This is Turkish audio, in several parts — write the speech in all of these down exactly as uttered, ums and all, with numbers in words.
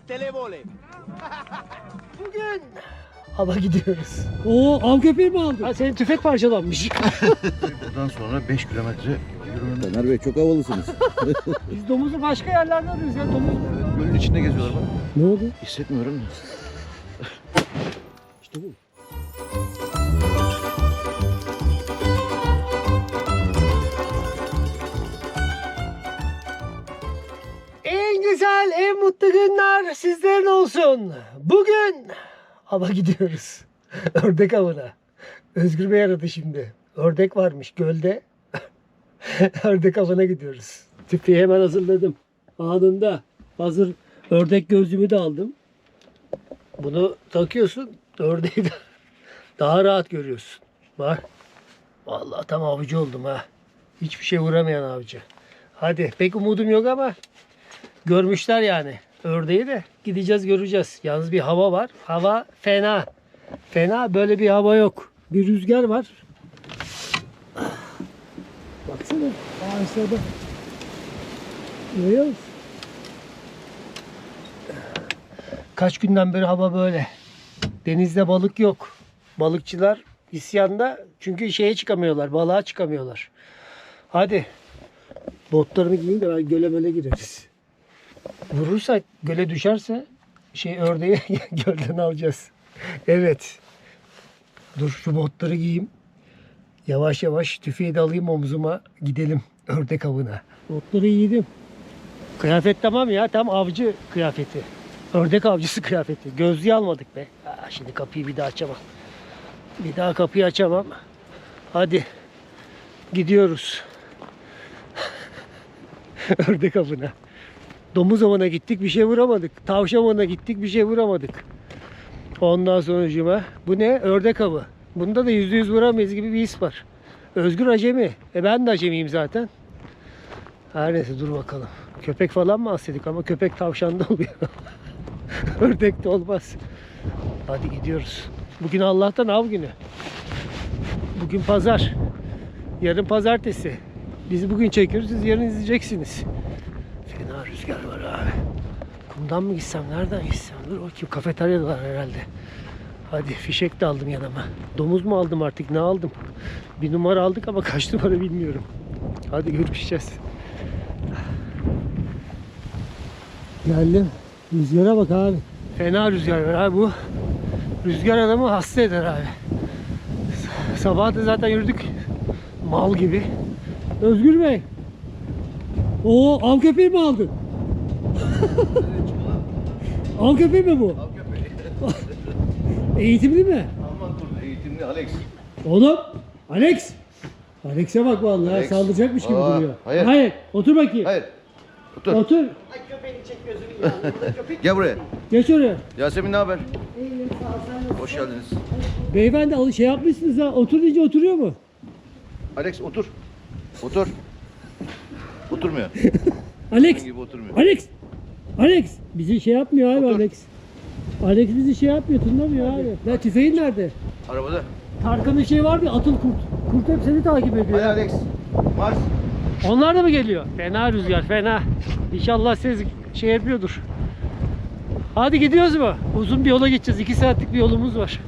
televole. Bugün hava gidiyoruz. Oo, av köpeği mi aldın? Ha, senin tüfek parçalanmış. Buradan sonra beş kilometre yürümenin. Taner Bey çok havalısınız. Biz domuzu başka yerlerde arıyoruz ya. Domuz. Evet, gölün içinde geziyorlar bak. Ne oldu? Hissetmiyorum da. İşte bu. En güzel, en mutlu günler sizlerin olsun. Bugün hava gidiyoruz. Ördek avına. Özgür Bey aradı şimdi. Ördek varmış gölde. Ördek avına gidiyoruz. Tüfeği hemen hazırladım. Anında. Hazır ördek gözlüğümü de aldım. Bunu takıyorsun. Ördeği de daha rahat görüyorsun. Bak. Vallahi tam avcı oldum ha. Hiçbir şey vuramayan avcı. Hadi pek umudum yok ama görmüşler yani. Ördeği de gideceğiz göreceğiz. Yalnız bir hava var. Hava fena. Fena, böyle bir hava yok. Bir rüzgar var. Baksana ağaçlarda. Görüyor musun? Kaç günden beri hava böyle. Denizde balık yok. Balıkçılar isyanda, çünkü şeye çıkamıyorlar. Balığa çıkamıyorlar. Hadi. Botlarımı giyeyim de ben göle möle gireriz. Vurursak, göle düşerse şey ördeği gölden alacağız. Evet. Dur şu botları giyeyim. Yavaş yavaş tüfeği de alayım omzuma. Gidelim ördek avına. Botları giydim. Kıyafet tamam ya. Tam avcı kıyafeti. Ördek avcısı kıyafeti. Gözlüğü almadık be. Aa, şimdi kapıyı bir daha açamam. Bir daha kapıyı açamam. Hadi. Gidiyoruz. Ördek avına. Domuz avına gittik, bir şey vuramadık. Tavşan avına gittik, bir şey vuramadık. Ondan sonucuma bu ne? Ördek avı. Bunda da yüzde yüz vuramayız gibi bir his var. Özgür acemi. E ben de acemiyim zaten. Her neyse dur bakalım. Köpek falan mı alsaydık, ama köpek tavşanda oluyor. Ördek de olmaz. Hadi gidiyoruz. Bugün Allah'tan av günü. Bugün pazar. Yarın pazartesi. Biz bugün çekiyoruz, siz yarın izleyeceksiniz. Fena rüzgar var abi. Kumdan mı gitsem, nereden gitsem? Dur bakayım, kafeteryalar herhalde. Hadi fişek de aldım yanıma. Domuz mu aldım artık, ne aldım? Bir numara aldık ama kaç numara bilmiyorum. Hadi görüşeceğiz. Geldim. Rüzgara bak abi. Fena rüzgar var abi bu. Rüzgar adamı hasta eder abi. Sabah da zaten yürüdük. Mal gibi. Özgür Bey. Oo, av köpeği mi aldın? Av köpeği mi bu? Av köpeği. Eğitimli mi? Alman kurdu eğitimli Alex. Oğlum, Alex. Alex'e bak vallahi, Alex. saldıracakmış gibi Aa, duruyor. hayır. Hayır, otur bakayım. Hayır. Otur. Otur. Gel buraya. Geç oraya. Yasemin ne haber? Hoş geldiniz. Beyefendi al- şey yapmışsınız ha. Otur deyince oturuyor mu? Alex otur. Otur. Oturmuyor. Alex. Senin gibi oturmuyor. Alex. Alex. Bizi şey yapmıyor abi Otur. Alex. Alex bizi şey yapmıyor, tınlamıyor abi. Ya tüfeğin nerede? Arabada. Tarkan'ın şey vardı ya, atıl kurt. Kurt hep seni takip ediyor. Hadi Alex. Mars. Onlar da mı geliyor? Fena rüzgar, fena. İnşallah siz şey yapıyordur. Hadi gidiyoruz mu? Uzun bir yola gideceğiz. iki saatlik bir yolumuz var.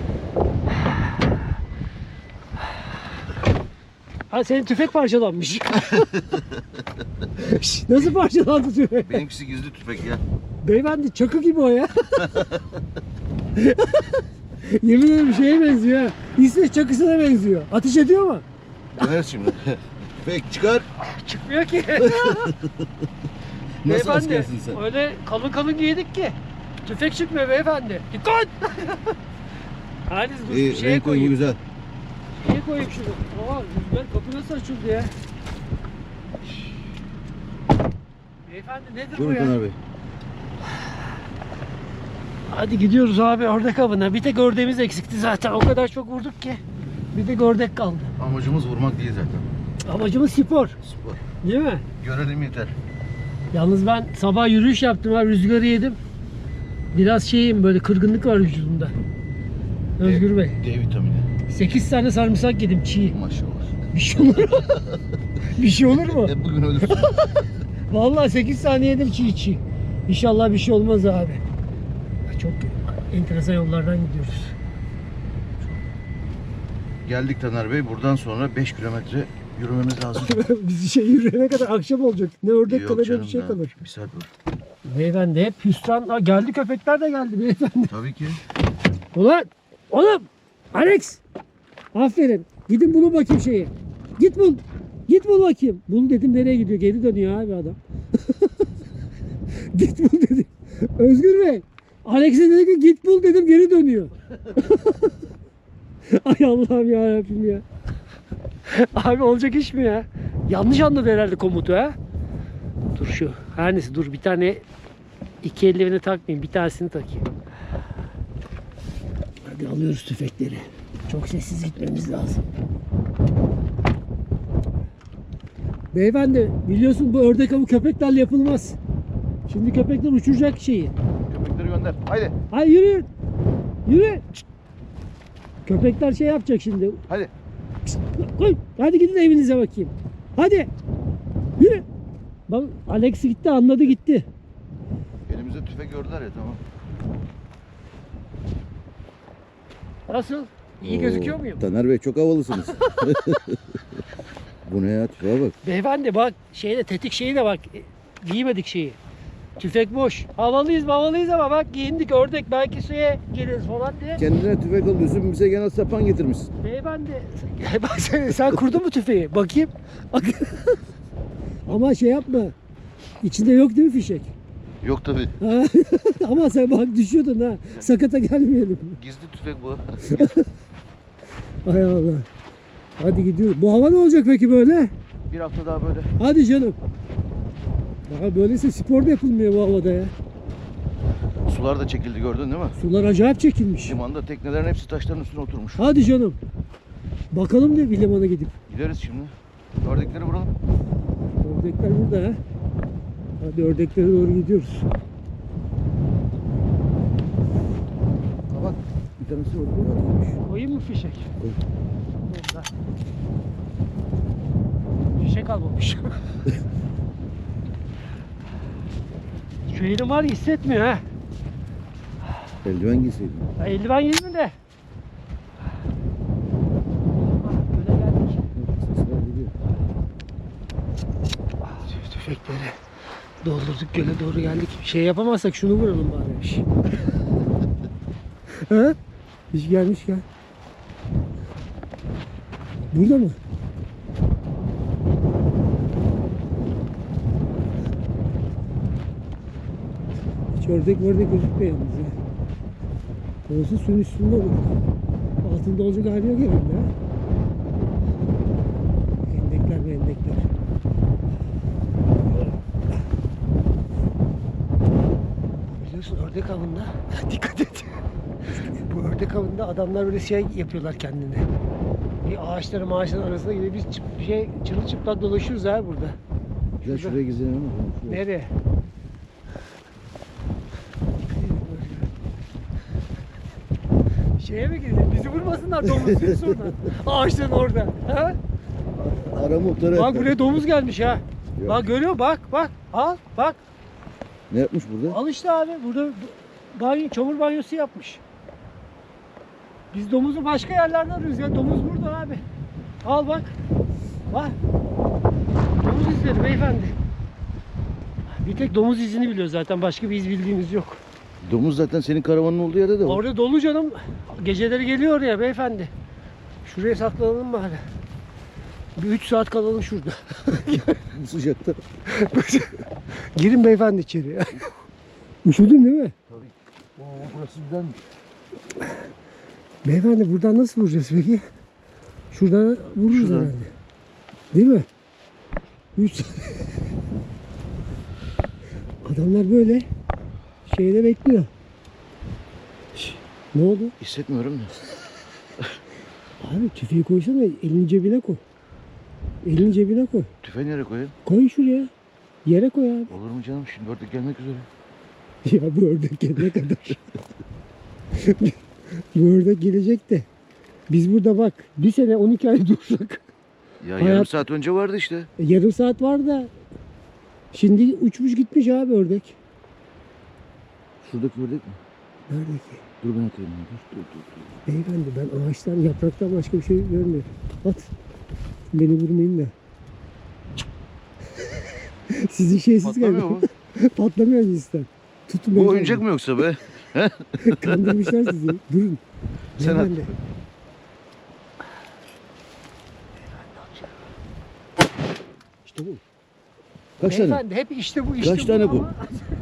Ha, senin tüfek parçalanmış. Şş, nasıl parçalandı tüfek? Benimkisi gizli tüfek ya. Beyefendi çakı gibi o ya. Yemin ederim şeye benziyor ha. İsveç çakısına benziyor. Ateş ediyor mu? Döneriz şimdi. Tüfek çıkar. Çıkmıyor ki. Nasıl Beyefendi, askersin sen? öyle kalın kalın giydik ki. Tüfek çıkmıyor beyefendi. Dikkat! Hadi dur bir İyi, şeye renk uyumu koyayım. güzel. Şeye koyayım şunu. Aa, rüzgar kapı nasıl açıldı ya? Beyefendi nedir bu Buyurun ya? Taner Bey. Hadi gidiyoruz abi ördek avına. Bir tek ördeğimiz eksikti zaten. O kadar çok vurduk ki. Bir tek ördek kaldı. Amacımız vurmak değil zaten. Amacımız spor. Spor. Değil mi? Görelim yeter. Yalnız ben sabah yürüyüş yaptım ha, rüzgarı yedim. Biraz şeyim, böyle kırgınlık var vücudumda. Özgür Bey. D vitamini. sekiz tane sarımsak yedim çiğ. Maşallah. Bir şey olur mu? Bir şey olur mu? Hep bugün ölürsün. Vallahi sekiz tane yedim çiğ çiğ. İnşallah bir şey olmaz abi. Çok enteresan yollardan gidiyoruz. Geldik Taner Bey. Buradan sonra beş kilometre yürümemiz lazım. Biz şey yürüyene kadar akşam olacak. Ne ördek Yok kalır ne canım, bir şey daha kalır. Bir saat var. Beyefendi hep hüsran. Aa, geldi köpekler de geldi beyefendi. Tabii ki. Ulan oğlum Alex. Aferin. Gidin bulun bakayım şeyi. Git bul. Git bul bakayım. Bul dedim nereye gidiyor? Geri dönüyor abi adam. Git bul dedim. Özgür Bey. Alex'e dedi ki git bul dedim geri dönüyor. Ay Allah'ım yarabbim ya. Abi olacak iş mi ya? Yanlış anladı herhalde komutu ha. Dur şu. Her neyse dur bir tane iki eldiveni takmayayım. Bir tanesini takayım. Hadi alıyoruz tüfekleri. Çok sessiz gitmemiz lazım. Beyefendi biliyorsun bu ördek avı köpeklerle yapılmaz. Şimdi köpekler uçuracak şeyi. Köpekleri gönder. Haydi. Hayır yürü. Yürü. Şşt. Köpekler şey yapacak şimdi. Hadi. Koy. Hadi gidin evinize bakayım. Hadi. Yürü. Bak Alex gitti anladı gitti. Elimizde tüfek gördüler ya, tamam. Nasıl? İyi gözüküyor muyum? Taner Bey çok havalısınız. Bu ne ya, tüfeğe bak. Beyefendi bak şeyde tetik şeyi de bak e, giymedik şeyi. Tüfek boş. Havalıyız havalıyız ama bak giyindik ördek belki suya geliriz falan diye. Kendine tüfek alıyorsun, bize gene sapan getirmişsin. Beyefendi bak sen, sen kurdun mu tüfeği? Bakayım. Ama şey yapma. İçinde yok değil mi fişek? Yok tabii. Ha? Ama sen bak düşüyordun ha. Sakata gelmeyelim. Gizli tüfek bu. Hay Allah. Hadi gidiyoruz. Bu hava ne olacak peki böyle? Bir hafta daha böyle. Hadi canım. Daha böyleyse spor da yapılmıyor bu havada ya. Sular da çekildi, gördün değil mi? Sular acayip çekilmiş. Limanda teknelerin hepsi taşların üstüne oturmuş. Hadi canım. Bakalım diye bir limana gidip. Gideriz şimdi. Ördekleri vuralım. Ördekler burada ha. Hadi ördeklere doğru gidiyoruz. Ha bak, bir tanesi orada. Koyayım mı fişek? Koy. Burada. Fişek almamış. Şu elim var ya hissetmiyor ha. Eldiven giyseydin. Ya eldiven giydim de. Ah, böyle geldik. Sesler geliyor. Tüf- Tüfekleri doldurduk göle doğru geldik. Şey yapamazsak şunu vuralım bari. Şş. Ha? Hiç gelmiş gel. Burada mı? Hiç ördek ördek gözükmüyor yalnız ya. Olsa suyun üstünde olur. Altında olacak hali yok herhalde ha. Endekler mi endekler. Biliyorsun ördek avında dikkat et. Bu ördek avında adamlar böyle şey yapıyorlar kendine. Bir ağaçların ağaçların arasında gibi biz çıp, şey çırılçıplak dolaşıyoruz ha burada. Gel şuraya gidelim ama. Şuraya. Nereye? Şeye mi gidelim? Bizi vurmasınlar domuz sonra. Ağaçların orada. Ha? Ara muhtarı. Bak buraya domuz gelmiş ha. Yok. Bak görüyor musun? Bak bak. Al bak. Ne yapmış burada? Al işte abi. Burada banyo, çamur banyosu yapmış. Biz domuzu başka yerlerde arıyoruz ya. Domuz burada abi. Al bak. Bak. Domuz izleri beyefendi. Bir tek domuz izini biliyor zaten. Başka bir iz bildiğimiz yok. Domuz zaten senin karavanın olduğu yerde de var. Orada dolu canım. Geceleri geliyor oraya beyefendi. Şuraya saklanalım bari. Bir üç saat kalalım şurada. Bu sıcakta. Girin beyefendi içeri. Üşüdün değil mi? Tabii. Oo, burası güzelmiş. Beyefendi buradan nasıl vuracağız peki? Şuradan vururuz Şuradan. herhalde. Değil mi? Üç Adamlar böyle şeyde bekliyor. Şş, ne oldu? Hissetmiyorum da. Abi tüfeği koysana elini cebine koy. Elini cebine koy. Tüfeği nereye koyayım? Koy şuraya. Yere koy abi. Olur mu canım? Şimdi ördek gelmek üzere. Ya bu ördek gelene kadar. Bu ördek gelecek de. Biz burada bak bir sene on iki ay dursak. Ya Hayat- yarım saat önce vardı işte. E, yarım saat var da. Şimdi uçmuş gitmiş abi ördek. Şuradaki ördek mi? Nerede ki? Dur ben atayım. Dur dur dur. dur. Beyefendi ben ağaçtan yapraktan başka bir şey görmüyorum. At. Beni vurmayın da. Sizin şeysiz Patlamıyor galiba. mu? Patlamıyor cinsten. Tutun Bu beyefendi. oyuncak mı yoksa be? Kandırmışlar sizi. Durun. Sen at. Beyefendi. İşte bu. Kaç tane? Beyefendi hep işte bu işte Kaç tane bu? ama-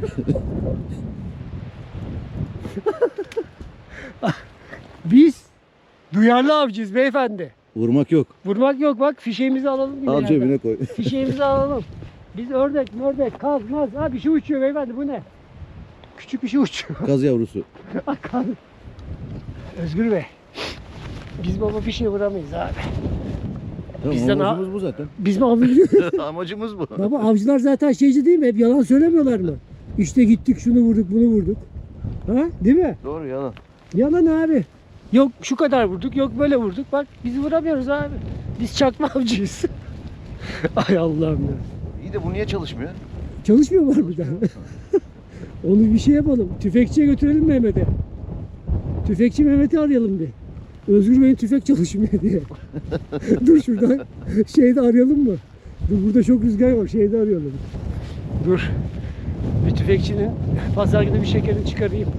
Biz duyarlı avcıyız beyefendi. Vurmak yok. Vurmak yok bak fişeğimizi alalım. bir Al yerden. cebine koy. Fişeğimizi alalım. Biz ördek, ördek, kaz, maz. Ha bir şey uçuyor beyefendi bu ne? Küçük bir şey uçuyor. Kaz yavrusu. Kaz. Özgür Bey. Biz baba bir şey vuramayız abi. Tamam, Bizden amacımız bu zaten. Biz mi avcıyız? Amacımız bu. Baba avcılar zaten şeyci değil mi? Hep yalan söylemiyorlar mı? İşte gittik şunu vurduk bunu vurduk. Ha değil mi? Doğru yalan. Yalan abi. Yok şu kadar vurduk yok böyle vurduk. Bak biz vuramıyoruz abi. Biz çakma avcıyız. Ay Allah'ım ya. İyi de bu niye çalışmıyor? Çalışmıyor var bir daha. Onu bir şey yapalım. Tüfekçiye götürelim Mehmet'e. Tüfekçi Mehmet'i arayalım bir. Özgür Bey'in tüfek çalışmıyor diye. Dur şuradan şeyde arayalım mı? Dur burada çok rüzgar var. Şeyde arayalım. Dur. Bir tüfekçinin pazar günü bir şekerini çıkarayım.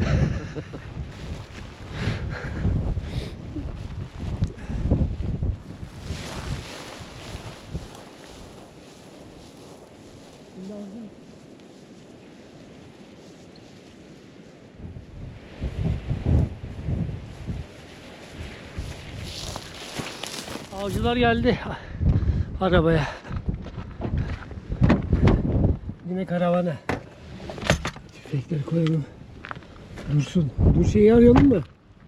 Avcılar geldi arabaya. Yine karavana. Tüfekleri koyalım. Dursun. Dur şeyi arayalım mı?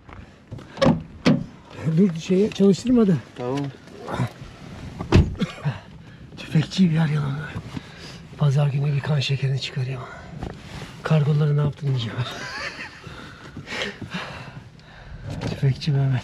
Dur şeyi çalıştırmadı. Tamam. Tüfekçiyi bir arayalım. Pazar günü bir kan şekerini çıkarayım. Kargoları ne yaptın diyeceğim. Tüfekçi Mehmet.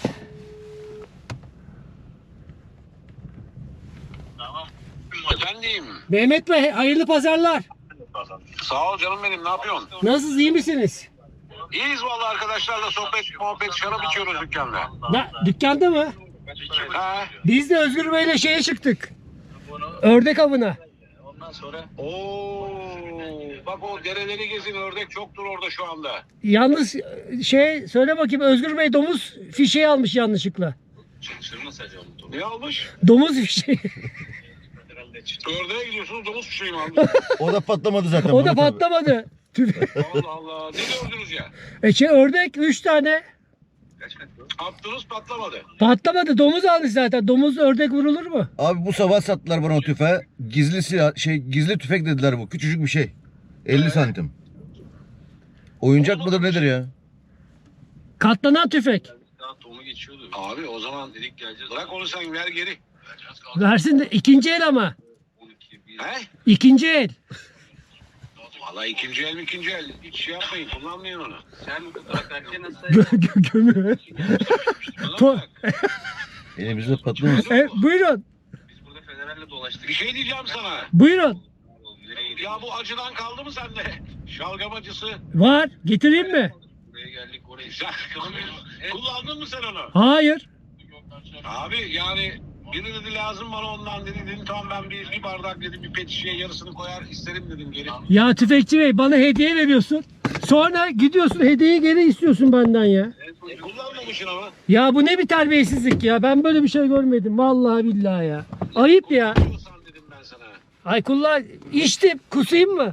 Efendim. Mehmet Bey hayırlı pazarlar. Sağ ol canım benim. Ne yapıyorsun? Nasılsınız iyi misiniz? İyiyiz vallahi arkadaşlarla sohbet, muhabbet, şarap içiyoruz dükkanda. Na, dükkanda mı? Ha? Biz de Özgür Bey'le şeye çıktık. Ördek avına. Oo, bak o dereleri gezin, ördek çoktur orada şu anda. Yalnız şey söyle bakayım Özgür Bey domuz fişeği almış yanlışlıkla. Ne almış? Domuz fişeği. Ördeğe gidiyorsunuz, domuz fişeği mi almış? O da patlamadı zaten. O da Murat abi. patlamadı. Tüf- Allah Allah. Ne gördünüz ya? e şey ördek üç tane. Attınız patlamadı. Patlamadı. Domuz almış zaten. Domuz ördek vurulur mu? Abi bu sabah sattılar bana o tüfeği. Gizli silah, şey gizli tüfek dediler bu. Küçücük bir şey. elli santim. Oyuncak mıdır nedir ya? Katlanan tüfek. Abi o zaman dedik geleceğiz. Bırak onu sen ver geri. Versin de ikinci el ama. He? İkinci el. Vallahi ikinci el mi ikinci el. Hiç şey yapmayın, kullanmayın onu. Sen Gö gö gömü. To- Elimizde patlamaz. e, buyurun. Bir şey diyeceğim sana. Buyurun. Ya bu acıdan kaldı mı sende? Şalgam acısı. Var. Getireyim mi? Buraya geldik oraya. Sen kullandın mı sen onu? Hayır. Abi yani biri dedi lazım bana ondan dedi. Dedim tamam ben bir, bir bardak dedim bir pet şişeye yarısını koyar isterim dedim geri. Ya tüfekçi bey bana hediye veriyorsun. Sonra gidiyorsun hediyeyi geri istiyorsun benden ya. E, kullanmamışsın ama. Ya bu ne bir terbiyesizlik ya. Ben böyle bir şey görmedim. Vallahi billahi ya. Ayıp ya. Kullanıyorsan dedim ben sana. Ay kullan. İçtim. Kusayım mı?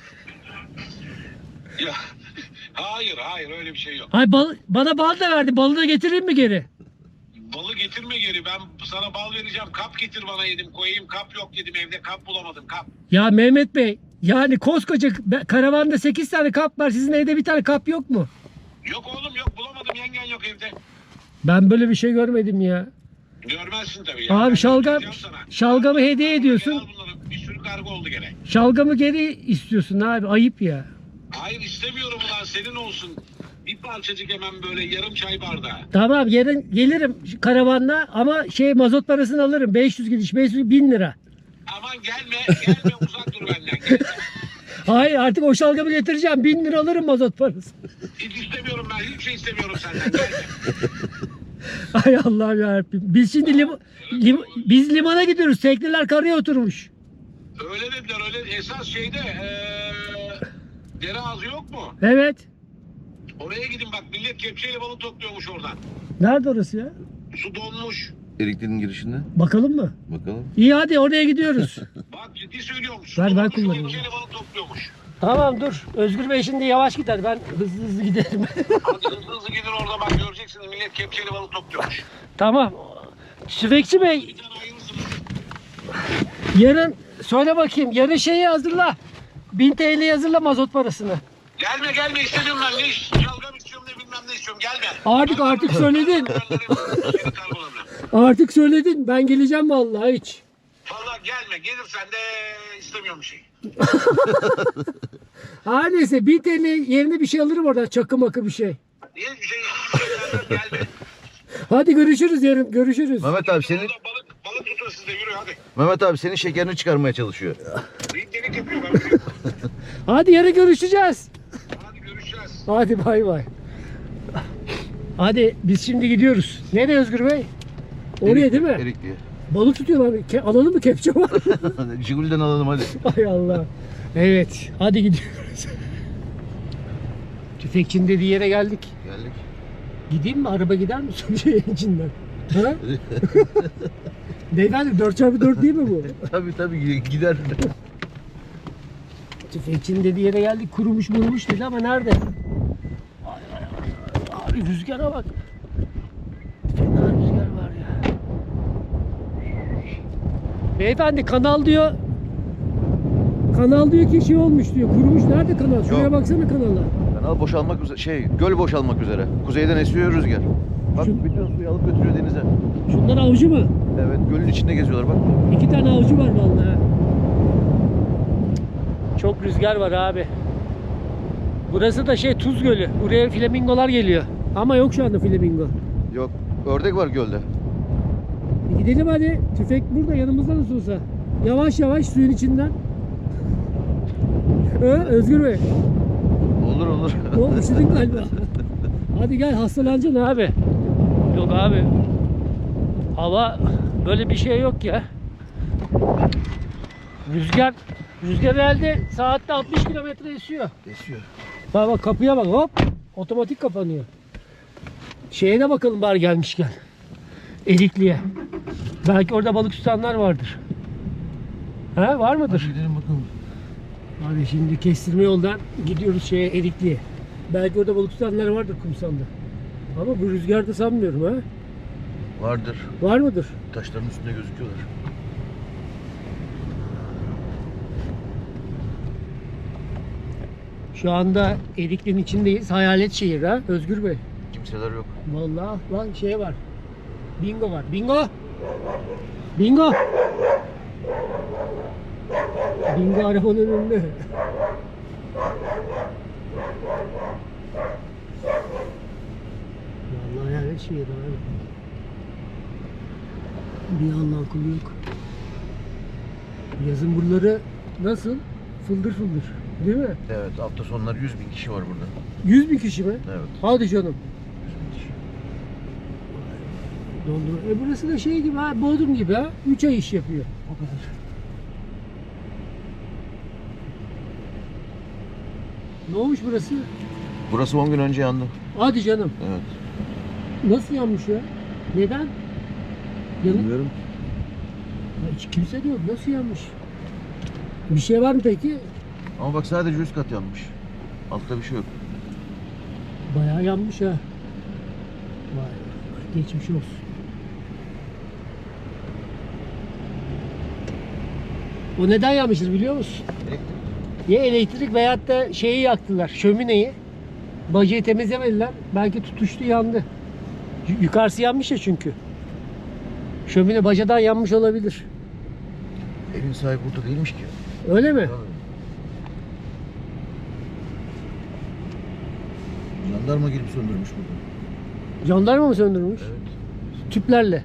Ya hayır hayır öyle bir şey yok. Ay bal, bana bal da verdi. Balı da getireyim mi geri? Balı getirme geri. Ben sana bal vereceğim. Kap getir bana yedim. Koyayım kap yok dedim. Evde kap bulamadım. Kap. Ya Mehmet Bey. Yani koskoca be- karavanda sekiz tane kap var. Sizin evde bir tane kap yok mu? Yok oğlum yok bulamadım. Yengen yok evde. Ben böyle bir şey görmedim ya. Görmezsin tabii ya. Abi Ben şalgam, göstereceğim sana. şalgamı hediye ediyorsun. Al bunları. Bir sürü kargo oldu gene. Şalgamı geri istiyorsun abi. Ayıp ya. Hayır istemiyorum ulan senin olsun. Bir parçacık hemen böyle yarım çay bardağı. Tamam yarın gelirim şu karavanla ama şey mazot parasını alırım. beş yüz gidiş beş yüz bin lira. Aman gelme gelme uzak dur benden. Gelme. Hayır artık o şalgamı getireceğim. Bin lira alırım mazot parası. Hiç istemiyorum ben. Hiçbir şey istemiyorum senden. Gelme. Ay Allah'ım yarabbim. Biz şimdi lim- lim- biz limana gidiyoruz. Tekneler karaya oturmuş. Öyle dediler öyle. Esas şeyde ee, dere ağzı yok mu? Evet. Oraya gidin bak. Millet kepçeyle balık topluyormuş oradan. Nerede orası ya? Su donmuş. Erikli'nin girişinde. Bakalım mı? Bakalım. İyi hadi oraya gidiyoruz. Bak ciddi söylüyorum. Ver, Su ben donmuş, kullanayım. kepçeyle balık topluyormuş. Tamam dur. Özgür Bey şimdi yavaş gider. Ben hızlı hızlı giderim. Hadi hızlı hızlı gidin orada bak göreceksiniz. Millet kepçeyle balık topluyormuş. Tamam. Tüfekçi Bey Bir tane ayırırsınız. yarın söyle bakayım. Yarın şeyi hazırla. bin T L hazırla mazot parasını. Gelme gelme istemiyorum ben. Ne iş? Şalgam istiyorum ne bilmem ne istiyorum. Gelme. Artık artık söyledin. Seni karbonlarım. Artık söyledin. Ben geleceğim vallahi hiç. Valla gelme. Gelirsen de istemiyorum bir şey. Ha neyse bin T L yerine bir şey alırım oradan. Çakı makı bir şey. Niye bir şey hiçbir şey gelme. Hadi görüşürüz yarın. Görüşürüz. Mehmet abi senin Orada balık, balık tutun siz de yürü hadi. Mehmet abi senin şekerini çıkarmaya çalışıyor. Delik delik yapıyor ben. biliyorum. Hadi yarın görüşeceğiz. Hadi görüşeceğiz. Hadi bay bay. Hadi biz şimdi gidiyoruz. Nereye Özgür Bey? Oraya değil mi? Erikli'ye. Balık tutuyorlar. Ke- alalım mı kepçe var? Jigul'den alalım hadi. Ay Allah. Evet. Hadi gidiyoruz. Tüfekçinin dediği yere geldik. Geldik. Gideyim mi? Araba gider mi? Şeyin içinden. Ha? Beyefendi dört çarpı dört değil mi bu? Tabii tabii gider. Tüfekçinin dediği yere geldik. Kurumuş murumuş dedi ama nerede? Ay, ay, ay. Abi rüzgara bak. Fena rüzgar var ya. Beyefendi kanal diyor. Kanal diyor ki şey olmuş diyor. Kurumuş. Nerede kanal? Şuraya Yok. baksana kanala. Kanal boşalmak üzere, şey göl boşalmak üzere. Kuzeyden esiyor rüzgar. Bak Şu- bütün suyu alıp götürüyor denize. Şunlar avcı mı? Evet gölün içinde geziyorlar bak. İki tane avcı var vallahi. Çok rüzgar var abi. Burası da şey Tuz Gölü. Buraya flamingolar geliyor. Ama yok şu anda flamingo. Yok ördek var gölde. E gidelim hadi. Tüfek burada yanımızda nasıl olsa. Yavaş yavaş suyun içinden. Ö, Özgür Bey. Olur olur. O üşüdün galiba. Hadi gel hastalanacaksın abi. Yok abi. Hava böyle bir şey yok ya. Rüzgar rüzgar herhalde saatte altmış kilometre esiyor. Esiyor. Bak bak kapıya bak hop. Otomatik kapanıyor. Şeye de bakalım bari gelmişken. Erikli'ye. Belki orada balık tutanlar vardır. Ha var mıdır? Gidelim bakalım. Hadi şimdi kestirme yoldan gidiyoruz şeye Erikli'ye. Belki orada balık tutanlar vardır kumsalda. Ama bu rüzgarda sanmıyorum ha. Vardır. Var mıdır? Taşların üstünde gözüküyorlar. Şu anda Erikli'nin içindeyiz. Hayalet şehir ha Özgür Bey. Kimseler yok. Vallahi lan şey var. Bingo var. Bingo. Bingo. Bingo arabanın önünde. Vallahi hayalet şehir abi. Bir Allah'ın kulu yok. Yazın buraları nasıl? Fıldır fıldır. Değil mi? Evet hafta sonları yüz bin kişi var burada. yüz bin kişi mi? Evet. Hadi canım. yüz bin kişi. Dondurma. E burası da şey gibi ha, Bodrum gibi ha. üç ay iş yapıyor. O kadar. Ne olmuş burası? Burası on gün önce yandı. Hadi canım. Evet. Nasıl yanmış ya? Neden? Yanı... Bilmiyorum. Ya hiç kimse de yok. Nasıl yanmış? Bir şey var mı peki? Ama bak sadece üst kat yanmış. Altta bir şey yok. Bayağı yanmış ha. Vay, geçmiş olsun. O neden yanmışız biliyor musun? Ya elektrik veyahut da şeyi yaktılar, şömineyi. Bacayı temizlemediler. Belki tutuştu yandı. Y- Yukarısı yanmış ya çünkü. Şömine bacadan yanmış olabilir. Evin sahibi burada değilmiş ki. Öyle mi? Jandarma gelip söndürmüş burada. Jandarma mı söndürmüş? Evet. Tüplerle.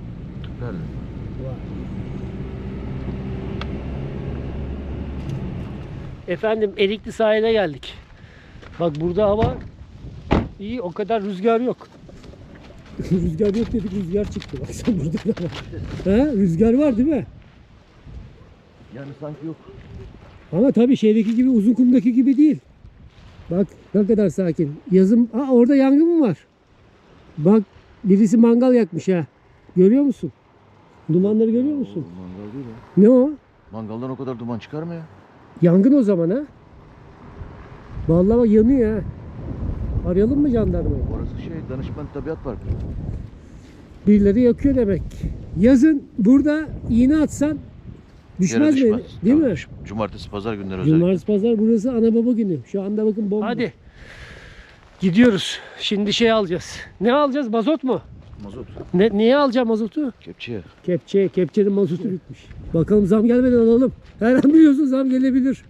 Tüplerle. Efendim Erikli sahile geldik. Bak burada hava iyi, o kadar rüzgar yok. Rüzgar yok dedik, rüzgar çıktı. Bak sen burada da var. He? Rüzgar var değil mi? Yani sanki yok. Ama tabii şeydeki gibi, Uzunkum'daki gibi değil. Bak ne kadar sakin. Yazın, aa orada yangın mı var? Bak birisi mangal yakmış ha. Görüyor musun? Dumanları görüyor musun? Mangal değil ya. Ne o? Mangaldan o kadar duman çıkar mı ya? Yangın o zaman ha. Vallahi bak yanıyor ha. Arayalım mı jandarmayı? Orası şey Danışman Tabiat Parkı. Birileri yakıyor demek. Yazın burada iğne atsan düşmez Yere mi? düşmez. Değil Tabii, mi? Cumartesi pazar günleri özellikle. Cumartesi pazar burası ana baba günü. Şu anda bakın bomba. Hadi. Gidiyoruz. Şimdi şey alacağız. Ne alacağız? Mazot mu? Mazot. Ne, niye alacağım mazotu? Kepçeye. Kepçe. Kepçenin mazotu bitmiş. Bakalım zam gelmeden alalım. Her an biliyorsun zam gelebilir.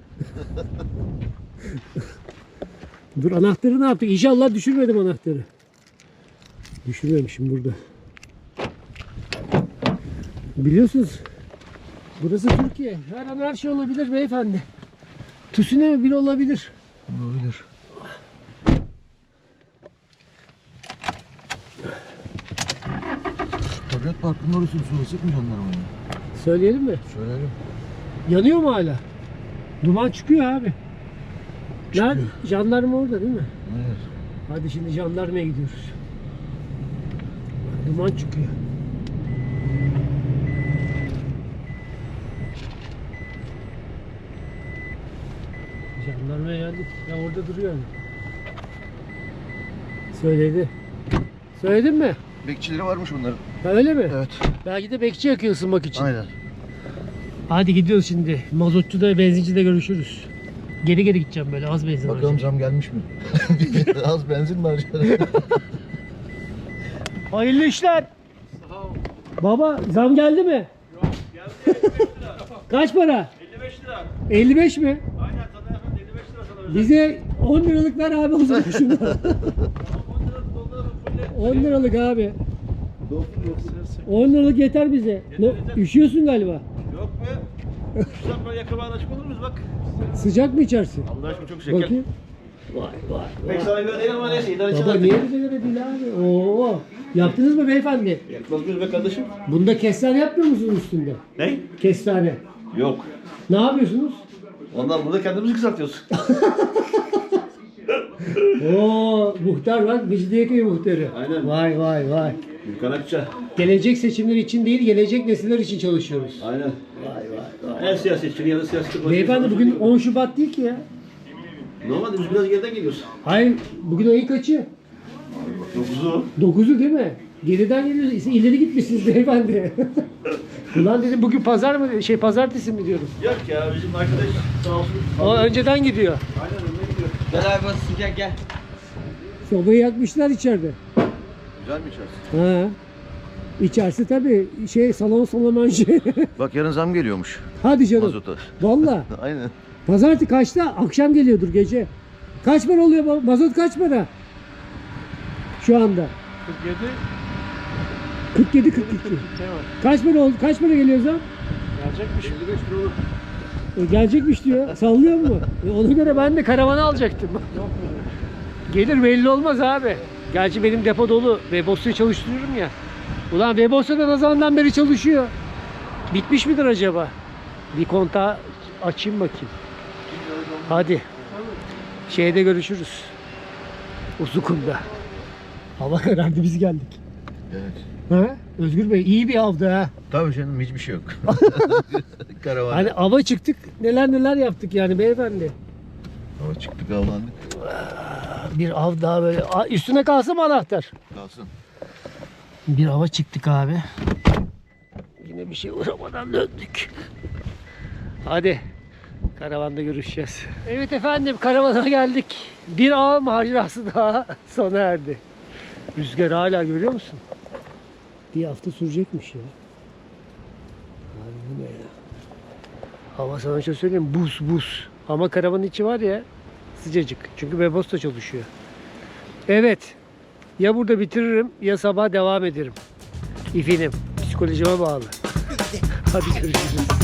Dur, anahtarı ne yaptık? İnşallah düşürmedim anahtarı. Düşürmemişim burada. Biliyorsunuz burası Türkiye. Her an her şey olabilir beyefendi. Tsunami bile olabilir. Olabilir. Tabiat Parkı'nın orasını söylesek mi jandarmaya? Söyleyelim mi? Söyleyelim. Yanıyor mu hala? Duman çıkıyor abi. Nerede? Jandarma orada değil mi? Evet. Hadi şimdi jandarmaya gidiyoruz. Duman çıkıyor. Jandarmaya geldik. Ya orada duruyor. Yani. Söyledi. Söyledin mi? Bekçileri varmış bunların. Ha, öyle mi? Evet. Belki de bekçi yakıyor ısınmak için. Aynen. Hadi gidiyoruz şimdi. Mazotçuda, benzincide görüşürüz. Geri geri gideceğim böyle, az benzin Bakalım harcayacağım. zam gelmiş mi? Az benzin mi harcadın? Hayırlı işler. Baba zam geldi mi? Yok, geldi elli beş lira. Kaç para? elli beş lira. elli beş mi? Aynen sana efendim elli beş lira sana özel. Bize on liralık ver abi o zaman şundan. Tamam on lira dolduralım fulle. on liralık abi. on liralık yeter bize. Ne, yeter. üşüyorsun galiba. Yok be. Şuradan böyle yakın açık olur muyuz bak. Sıcak mı içersin? Allah aşkına çok şeker. Bakayım. Vay vay Pek sana göre değil ama neyse idare Baba edeceğiz. niye bize göre değil abi? Oo. Yaptınız mı beyefendi? Yakmaz mıyız be kardeşim? Bunda kestane yapmıyor musunuz üstünde? Ne? Kestane. Yok. Ne yapıyorsunuz? Ondan burada kendimizi kısaltıyoruz. Oo, muhtar bak, Mecidiyeköy muhtarı. Aynen. Vay vay vay. Gürkan Akça. Gelecek seçimler için değil, gelecek nesiller için çalışıyoruz. Aynen. Vay vay vay. Her siyasetçinin ya da siyasetçi. Beyefendi bugün on Şubat değil ki ya. Normalde biz biraz geriden geliyoruz. Hayır, bugün ayın kaçı? dokuzu. dokuzu değil mi? Geriden geliyoruz. İleri gitmişsiniz beyefendi. Ulan dedim bugün pazar mı? Şey pazartesi mi diyorum. Yok ya bizim arkadaş sağ olsun. O önceden gidiyor. Aynen önüne gidiyor. Gel abi bas sıcak gel. Sobayı yakmışlar içeride. Güzel mi içersin? Ha. İçerisi tabii şey salon salamanjı. Bak yarın zam geliyormuş Hadi canım. mazota. Valla. Aynen. Pazartesi kaçta? Akşam geliyordur gece. Kaç para oluyor bu? Mazot kaç para? Şu anda. kırk yedi. kırk yedi kırk iki. Kaç para oldu? Kaç para geliyor zam? Gelecekmiş. elli beş lira olur. E, gelecekmiş diyor. Sallıyor mu? E, ona göre ben de karavanı alacaktım. Gelir belli olmaz abi. Gerçi benim depo dolu. Webos'u çalıştırıyorum ya. Ulan Webos'ta da ne zamandan beri çalışıyor. Bitmiş midir acaba? Bir kontağı açayım bakayım. Hadi. Şeyde görüşürüz. Uzunkum'da. Hava karardı, biz geldik. Evet. Ha? Özgür Bey iyi bir avdı ha. Tabii canım hiçbir şey yok. Karavan. Hani ava çıktık, neler neler yaptık yani beyefendi. Hava çıktık avlandık. Bir av daha böyle. Aa, üstüne kalsın mı anahtar? Kalsın. Bir ava çıktık abi. Yine bir şey uğramadan döndük. Hadi. Karavanda görüşeceğiz. Evet efendim, karavana geldik. Bir av macerası daha sona erdi. Rüzgar hala görüyor musun? Bir hafta sürecekmiş ya. Abi bu ne ya? Hava sana şöyle söyleyeyim, buz buz. Ama karavanın içi var ya sıcacık. Çünkü Webos da çalışıyor. Evet. Ya burada bitiririm ya sabah devam ederim. İfinim. Psikolojime bağlı. Hadi görüşürüz.